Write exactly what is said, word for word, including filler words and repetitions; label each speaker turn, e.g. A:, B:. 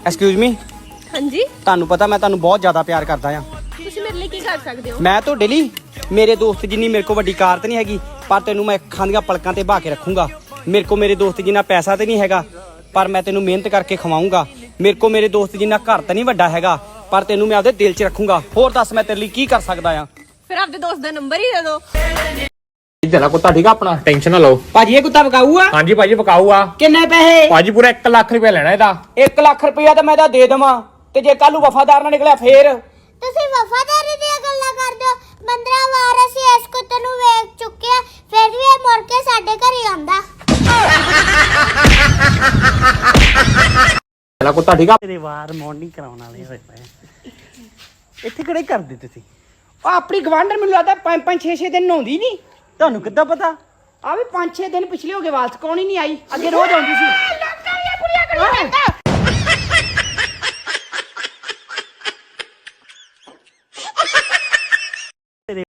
A: Excuse me.
B: ਹਾਂਜੀ,
A: ਤੁਹਾਨੂੰ ਪਤਾ ਮੈਂ ਤੁਹਾਨੂੰ ਬਹੁਤ ਜ਼ਿਆਦਾ ਪਿਆਰ ਕਰਦਾ ਆ।
B: ਤੁਸੀਂ ਮੇਰੇ ਲਈ ਕੀ ਕਰ ਸਕਦੇ ਹੋ?
A: ਮੈਂ ਤੁਹਾਡੇ ਲਈ ਮੇਰੇ ਦੋਸਤ ਜਿੰਨੀ ਮੇਰੇ ਕੋਲ ਵੱਡੀ ਕਾਰ ਤੇ ਨਹੀਂ ਹੈਗੀ, ਪਰ ਤੈਨੂੰ ਮੈਂ ਅੱਖਾਂ ਦੀਆਂ ਪਲਕਾਂ ਤੇ ਬਹਾ ਕੇ ਰੱਖੂੰਗਾ। ਮੇਰੇ ਕੋਲ ਮੇਰੇ ਦੋਸਤ ਜਿੰਨਾ ਪੈਸਾ ਤੇ ਨਹੀਂ ਹੈਗਾ, ਪਰ ਮੈਂ ਤੈਨੂੰ ਮਿਹਨਤ ਕਰਕੇ ਖਵਾਉਂਗਾ। ਮੇਰੇ ਕੋਲ ਮੇਰੇ ਦੋਸਤ ਜਿੰਨਾ ਘਰ ਤਾਂ ਨਹੀਂ ਵੱਡਾ ਹੈਗਾ, ਪਰ ਤੈਨੂੰ ਮੈਂ ਆਪਦੇ ਦਿਲ 'ਚ ਰੱਖੂੰਗਾ। ਹੋਰ ਦੱਸ ਮੈਂ ਤੇਰੇ ਲਈ ਕੀ ਕਰ ਸਕਦਾ ਆ?
B: ਫਿਰ ਆਪਦੇ ਦੋਸਤ ਦਾ ਨੰਬਰ ਹੀ ਦੇ ਦਿਓ।
C: ਜਲਾ ਕੁੱਤਾ ਠੀਕ ਆ ਆਪਣਾ, ਟੈਨਸ਼ਨ ਨਾ ਲਓ।
A: ਭਾਜੀ ਇਹ ਕੁੱਤਾ ਵਿਕਾਊ ਆ?
C: ਹਾਂਜੀ ਭਾਜੀ ਵਿਕਾਊ ਆ।
A: ਕਿੰਨੇ ਪੈਸੇ?
C: ਭਾਜੀ ਪੂਰਾ ਇੱਕ ਲੱਖ ਰੁਪਏ ਲੈਣਾ ਇਹਦਾ।
A: ਇੱਕ ਲੱਖ ਰੁਪਇਆ ਤਾਂ ਮੈਂ ਇਹਦਾ ਦੇ ਦੇਵਾਂ, ਤੇ ਜੇ ਕੱਲ ਨੂੰ ਵਫਾਦਾਰ ਨਾ ਨਿਕਲਿਆ ਫੇਰ?
D: ਤੁਸੀਂ ਵਫਾਦਾਰੀ ਦੀਆਂ ਗੱਲਾਂ ਕਰਦੇ ਹੋ। ਪੰਦਰਾਂ ਵਾਰ ਅਸੀਂ ਇਸ ਕੁੱਤੇ ਨੂੰ ਵੇਚ ਚੁੱਕੇ ਆ, ਫਿਰ ਵੀ ਇਹ ਮੁੜ ਕੇ ਸਾਡੇ ਘਰ ਹੀ ਆਉਂਦਾ।
C: ਜਲਾ ਕੁੱਤਾ ਠੀਕ ਆ।
A: ਤੇਰੇ ਵਾਰ ਮਾਰਨਿੰਗ ਕਰਾਉਣ ਵਾਲੇ ਹੋਏ ਪਏ ਇੱਥੇ ਕਿਹੜੇ ਕਰਦੇ ਤੁਸੀਂ? ਆ ਆਪਣੀ ਗਵਾਂਢਣ ਮੈਨੂੰ ਲੱਗਦਾ ਪੰਜ ਪੰਜ ਛੇ ਛੇ ਦਿਨ ਨਹਾਉਂਦੀ ਨਹੀਂ। ਤੁਹਾਨੂੰ ਕਿੱਦਾਂ ਪਤਾ? ਆ ਵੀ ਪੰਜ ਛੇ ਦਿਨ ਪਿਛਲੇ ਹੋ ਗਏ, ਵਾਲ ਚਕਾਉਣ ਹੀ ਨਹੀਂ ਆਈ। ਅੱਗੇ ਰੋਜ਼ ਆਉਂਦੀ ਸੀ।